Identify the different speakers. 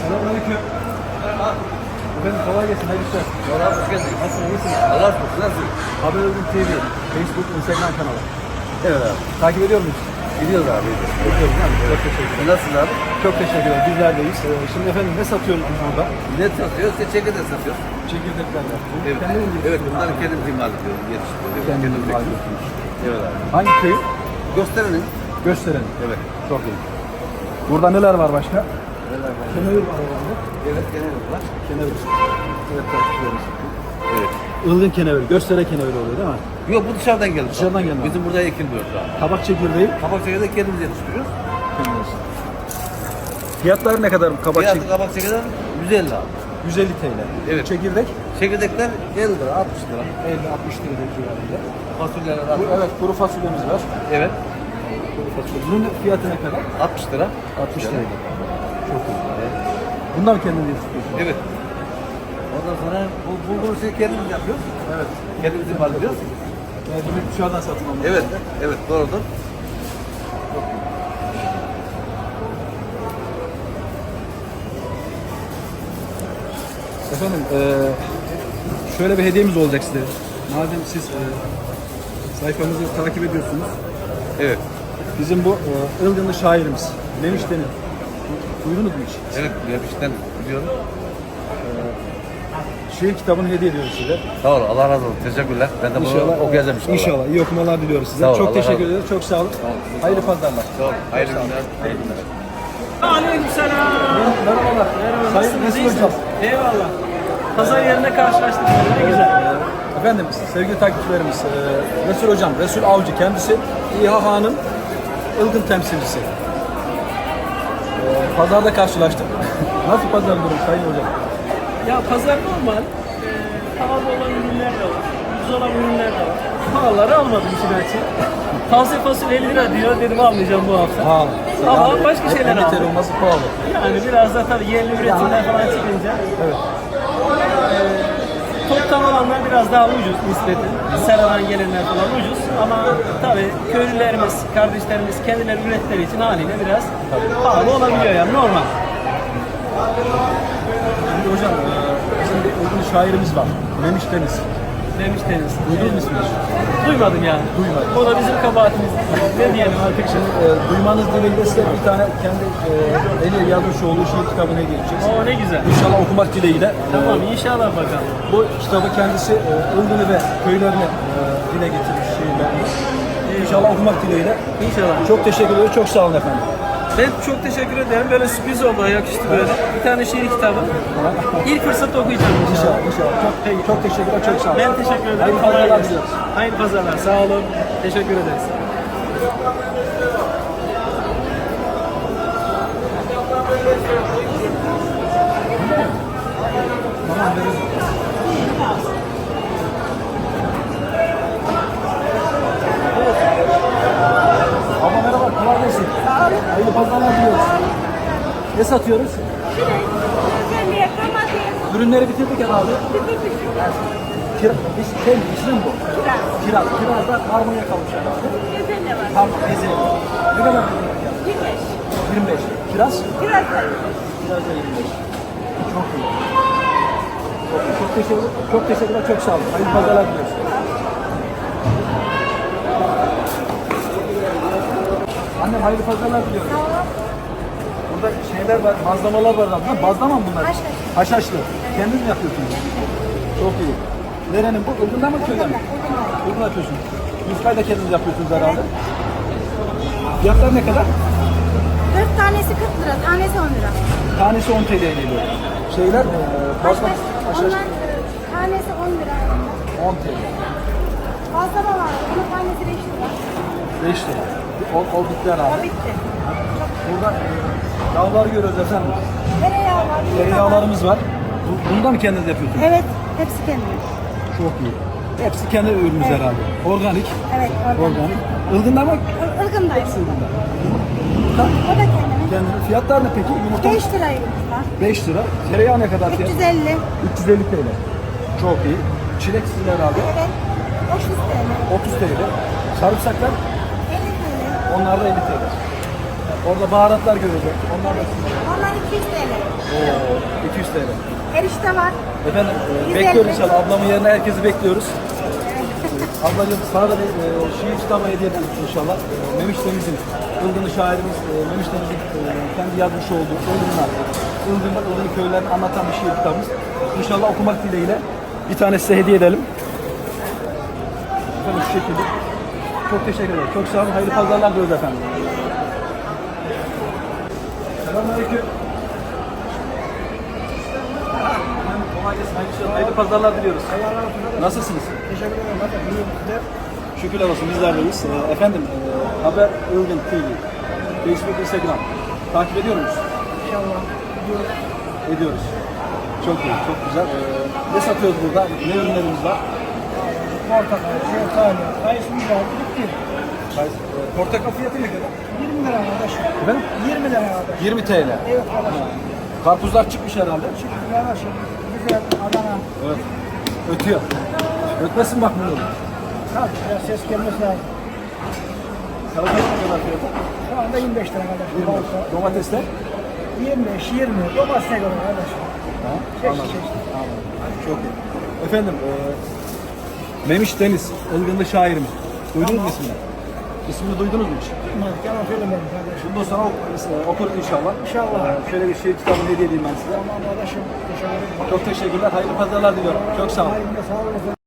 Speaker 1: Selamünaleyküm. Efendim kolay gelsin. Hayırlı işler.
Speaker 2: Allah'a hoş geldin.
Speaker 1: Nasılsın? İyisin?
Speaker 2: Allah'a şükür. Nasıl?
Speaker 1: Haber Özgür TV, Facebook, Instagram kanalı.
Speaker 2: Evet abi.
Speaker 1: Takip ediyor muyuz?
Speaker 2: Gidiyoruz abi.
Speaker 1: Ediyoruz değil mi? Çok teşekkür ederim.
Speaker 2: Nasılsın abi?
Speaker 1: Çok teşekkür ederim. Bizler deyiz. Şimdi efendim ne satıyorsun burada?
Speaker 2: Ne satıyoruz? Çekirdek satıyoruz.
Speaker 1: Çekirdekler var.
Speaker 2: Evet. Evet. Bunları kendim imal ediyorum. Yetiştiriyorum.
Speaker 1: Kendim
Speaker 2: Kendim
Speaker 1: imal
Speaker 2: bekliyorum. Evet abi.
Speaker 1: Hangi köy?
Speaker 2: Gösterelim.
Speaker 1: Gösterelim.
Speaker 2: Evet.
Speaker 1: Çok iyi. Burada neler var başka?
Speaker 2: Neler var?
Speaker 1: Kenevir var herhalde.
Speaker 2: Evet. Genel var.
Speaker 1: Kenevir. Evet takipçilerimiz.
Speaker 2: Evet.
Speaker 1: Ilgın kenevir, göstere kenevir oluyor değil mi?
Speaker 2: Yok bu dışarıdan geldi.
Speaker 1: Dışarıdan geldi.
Speaker 2: Bizim burada ekilmiyor şu an.
Speaker 1: Kabak çekirdeği.
Speaker 2: Kabak çekirdeği kendimiz yetiştiriyoruz.
Speaker 1: Fiyatları ne kadar bu kabak
Speaker 2: Fiyatı
Speaker 1: çekirdeği?
Speaker 2: kabak çekirdeği 150 abi.
Speaker 1: 150 TL.
Speaker 2: Evet.
Speaker 1: Çekirdek
Speaker 2: Çekirdekler 50 lira, 60 lira.
Speaker 1: 50-60 TL civarında.
Speaker 2: Fasulyeler
Speaker 1: Evet, kuru fasulyemiz var.
Speaker 2: Evet.
Speaker 1: Kuru fasulye. Bunun fiyatı ne kadar?
Speaker 2: 60 lira.
Speaker 1: 60 TL. Çok iyi. Bunlar mı kendiniz yetiştiriyorsunuz?
Speaker 2: Evet. Ondan sonra bu bulgur şey kendimiz yapıyoruz.
Speaker 1: Evet.
Speaker 2: Kendimiz imal ediyoruz.
Speaker 1: Yani bunu dışarıdan satın almak.
Speaker 2: Evet, evet doğrudur.
Speaker 1: Efendim, şöyle bir hediyemiz olacak size. Madem siz sayfamızı takip ediyorsunuz.
Speaker 2: Evet.
Speaker 1: Bizim bu Ilgınlı şairimiz Memiş Deniz. Duydunuz mu hiç?
Speaker 2: Evet, yapıştan biliyorum.
Speaker 1: Şiir kitabını hediye ediyoruz size.
Speaker 2: Sağ ol, Allah razı olsun. Teşekkürler. Ben de bunu okuyacağım inşallah.
Speaker 1: İnşallah. İyi okumalar diliyoruz size.
Speaker 2: Sağ ol,
Speaker 1: Çok
Speaker 2: Allah
Speaker 1: teşekkür
Speaker 2: razı olsun.
Speaker 1: ederiz. Çok sağ olun. Hayırlı pazarlar.
Speaker 2: Sağ ol. Hayırlı günler. Hayırlı günler.
Speaker 3: Aleykümselam.
Speaker 1: Merhabalar.
Speaker 3: Merhaba,
Speaker 1: Sayın
Speaker 3: nasılsınız?
Speaker 1: Resul
Speaker 3: İyisiniz?
Speaker 1: Hocam.
Speaker 3: Eyvallah. Pazar yerinde karşılaştık. Ne güzel.
Speaker 1: Efendim sevgili takipçilerimiz Resul Hocam, Resul Avcı kendisi İHH'nın Ilgın temsilcisi. Pazarda karşılaştık. Nasıl pazar durum Sayın Hocam?
Speaker 3: Ya pazar normal. Pahalı olan ürünler de var. Ucuz olan ürünler de var. Pahalıları almadım işin açığı. Taze fasulye 50 lira diyor. Dedim almayacağım bu hafta.
Speaker 1: Pahalı.
Speaker 3: Ama başka şeyler
Speaker 1: Yeter
Speaker 3: aldım.
Speaker 1: olması pahalı.
Speaker 3: Yani biraz da tabii yerli üretimler falan çıkınca.
Speaker 1: Evet.
Speaker 3: Toptan olanlar biraz daha ucuz nispeten. Seradan gelenler falan ucuz. Ama tabii köylülerimiz, kardeşlerimiz kendileri ürettikleri için haliyle biraz pahalı olabiliyor yani normal.
Speaker 1: Şimdi hocam bizim bir Ilgın şairimiz var. Memiş Deniz.
Speaker 3: Demiştiniz.
Speaker 1: Duydunuz mu ismini?
Speaker 3: Duymadım yani.
Speaker 1: Duymadım.
Speaker 3: Bu da bizim kabahatimiz. Ne diyelim artık şimdi.
Speaker 1: Duymanız dileğiyle size bir tane kendi eli yazmış olduğu şiir kitabını hediye edeceğiz.
Speaker 3: Oo ne güzel.
Speaker 1: İnşallah okumak dileğiyle.
Speaker 3: Tamam inşallah bakalım.
Speaker 1: Bu kitabı kendisi Ilgın'ı ve köylerini dile getirmiş şiirlerini. İnşallah okumak dileğiyle.
Speaker 3: İnşallah.
Speaker 1: Çok teşekkür ederim. Çok sağ olun efendim.
Speaker 3: Ben çok teşekkür ederim. Böyle sürpriz oldu. Yakıştı böyle. Bir tane şiir kitabı. İlk fırsatta okuyacağım inşallah.
Speaker 1: İnşallah. Çok teşekkürler. Çok sağ olun.
Speaker 3: Ben teşekkür ederim.
Speaker 1: Hayırlı
Speaker 3: Kolay
Speaker 1: pazarlar
Speaker 3: gelsin.
Speaker 1: diliyoruz.
Speaker 3: Hayırlı pazarlar. Sağ olun. Teşekkür ederiz.
Speaker 1: Abla merhaba. Kolay gelsin. Hayırlı pazarlar diliyoruz. Ne satıyoruz? Ürünleri bitirdik herhalde. Kira, ismi mi bu? Kiraz. Kiraz da harmonya kalmış herhalde. Tamam, ezeli. Ne kadar veriyorsun? 25. Kiraz? Kiraz da 25. Çok iyi. Çok teşekkürler. Çok teşekkürler. Çok sağ olun. Hayırlı pazarlar diliyoruz. Annem hayırlı pazarlar diliyorum. Burada şeyler var, bazlamalar var. Bunlar bazlama mı bunlar? Haşhaşlı. Kendiniz mi yapıyorsunuz? Çok iyi. Nerenin bu? Ilgın'dan mı köyden mi? Ilgın yapıyorsunuz. Yufkayı da kendiniz yapıyorsunuz herhalde. Fiyatlar ne kadar?
Speaker 4: 4 tanesi 40 lira, tanesi 10 lira.
Speaker 1: Tanesi 10 TL'ye geliyor. Şeyler, bazlama, haşhaş
Speaker 4: Onlar tanesi 10 lira.
Speaker 1: 10 TL.
Speaker 4: Bazlama var, onun tanesi 5 lira.
Speaker 1: 5 lira. O bitti herhalde.
Speaker 4: O bitti.
Speaker 1: Burada yağları görüyoruz efendim.
Speaker 4: Tereyağı var.
Speaker 1: Tereyağlarımız var. Bundan mı kendiniz yapıyorsunuz?
Speaker 4: Evet, hepsi kendi.
Speaker 1: Çok iyi. Hepsi kendi ürünümüz herhalde. Organik.
Speaker 4: Evet, oradan.
Speaker 1: Organik. Ilgın'da mı?
Speaker 4: Ilgın'da.
Speaker 1: Ilgın'da.
Speaker 4: O da kendine.
Speaker 1: Kendine. Fiyatlar ne peki? Yumurta
Speaker 4: 5 lira yumurta.
Speaker 1: 5 lira. Tereyağı ne kadar fiyat?
Speaker 4: 350.
Speaker 1: 350 TL. Çok iyi. Çilek sizin herhalde.
Speaker 4: Evet. 30 TL.
Speaker 1: 30 TL. Sarımsaklar
Speaker 4: 50 TL.
Speaker 1: onlar da 50 TL. Orada baharatlar göreceğiz. Onlar da sizin.
Speaker 4: Onlar 200 TL.
Speaker 1: Oo, 200 TL.
Speaker 4: Erişte var.
Speaker 1: Efendim
Speaker 4: 150.
Speaker 1: bekliyoruz inşallah. Ablamın yerine herkesi bekliyoruz. Ablacığım sana da bir şiir kitabı hediye edelim inşallah. Memiş Deniz'in, Ilgınlı şairimiz Memiş Deniz'in kendi yazmış olduğu Ilgınlar, Ilgın köylerini anlatan bir şiir kitabımız. İnşallah okumak dileğiyle bir tane size hediye edelim. Efendim şu şekilde. Çok teşekkür ederim. Çok sağ olun. Hayırlı pazarlar diliyoruz efendim. Selamünaleyküm. Kolay gelsin. Hayırlı pazarlar diliyoruz. Nasılsınız?
Speaker 2: Teşekkür ederim.
Speaker 1: Şükürler olsun bizler deyiz. Efendim Haber Ilgın TV, Facebook, Instagram takip ediyor muyuz?
Speaker 2: İnşallah.
Speaker 1: Ediyoruz. Çok iyi, çok güzel. Ne satıyoruz burada? Ne ürünlerimiz var?
Speaker 2: Portakal, şeftali, kayısımız var. Bitti.
Speaker 1: Portakal fiyatı ne kadar?
Speaker 2: 20 lira arkadaşım.
Speaker 1: Efendim?
Speaker 2: 20 lira arkadaşım.
Speaker 1: 20 TL.
Speaker 2: Evet arkadaşım.
Speaker 1: Karpuzlar çıkmış herhalde.
Speaker 2: Yanaşım. Güzel. Adana.
Speaker 1: Evet. Ötüyor. Ötmesin bak bunu.
Speaker 2: Tabii biraz ses gelmesi lazım.
Speaker 1: Salatalık ne kadar fiyatı?
Speaker 2: Şu anda 25 lira arkadaşım.
Speaker 1: 20. Domatesler?
Speaker 2: 25, 20. Domatesine göre arkadaşım.
Speaker 1: Ha,
Speaker 2: Çeşit
Speaker 1: anladım.
Speaker 2: çeşit.
Speaker 1: Anladım. Çok iyi. Efendim, Memiş Deniz, Ilgınlı şairimiz. Duydunuz mu ismini? İsmini duydunuz mu hiç?
Speaker 2: Bilmem, yalan söylemedim kardeşim.
Speaker 1: Bundan sonra okuruz inşallah.
Speaker 2: İnşallah.
Speaker 1: Şöyle bir şiir kitabını hediye edeyim ben size.
Speaker 2: Tamam arkadaşım. Teşekkür ederim.
Speaker 1: Çok teşekkürler. Hayırlı pazarlar diliyorum. Çok sağ olun.
Speaker 2: Hayırlı sağ olun.